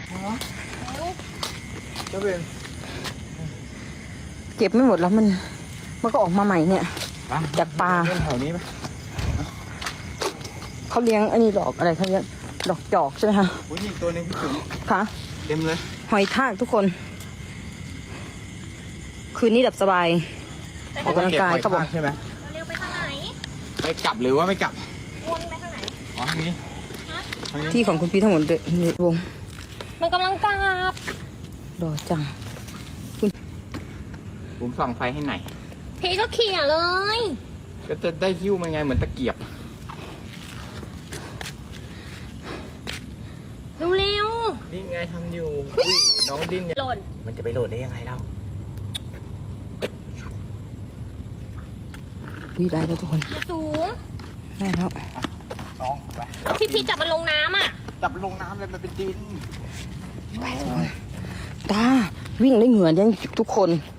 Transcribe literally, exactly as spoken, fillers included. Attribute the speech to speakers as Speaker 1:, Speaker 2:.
Speaker 1: เจ้าเบน
Speaker 2: เก็บไม่หมดแล้วมันมันก็ออกมาใหม่เนี่ยจากปลา
Speaker 1: เล่นแถวนี้ไหม
Speaker 2: เขาเลี้ยงอันนี้ดอกอะไรเขาเรียกดอกจอกใช่ไหมคะ
Speaker 1: โอ้ยนี่ตัวนึงพี่จุ๋ม
Speaker 2: ค่ะ
Speaker 1: เต็มเลย
Speaker 2: หอยทากทุกคน คืนนี้ดับสบายออกกำลังกายเขาบอก
Speaker 1: ใช่ไหม
Speaker 3: เร็วไปทางไหน
Speaker 1: ไปกลับหรือว่าไม่กลับ
Speaker 3: วนไปทางไหน
Speaker 1: อ๋อทางนี้ทางนี้
Speaker 2: ที่ของคุณพี่ทั้งหมดเลยในวง
Speaker 3: มันกำลังกลับ
Speaker 2: ดอกจัง
Speaker 1: ผมส่องไฟให้ไหนอย
Speaker 3: พี่ก็เขี่ยเลย
Speaker 1: ก็จะได้หิ้วมันไงเหมือนตะเกียบ
Speaker 3: เร็ว
Speaker 1: นี่ไงทำอยู่อุ้ยน้องดิ้นเนี่ย
Speaker 3: ๆหล่น
Speaker 1: มันจะไปโหลดได้ยังไงเล่า
Speaker 2: วิได้แล้วทุกคน
Speaker 3: อย่าสูง
Speaker 2: ได้แล้ว
Speaker 1: น้องไป
Speaker 3: พี่พีจับมันลงน้ำอ่ะ
Speaker 1: จับลงน้ำเลยมันเป็นดิน
Speaker 2: ตาวิ่งได้เหงื่อยังทุกคน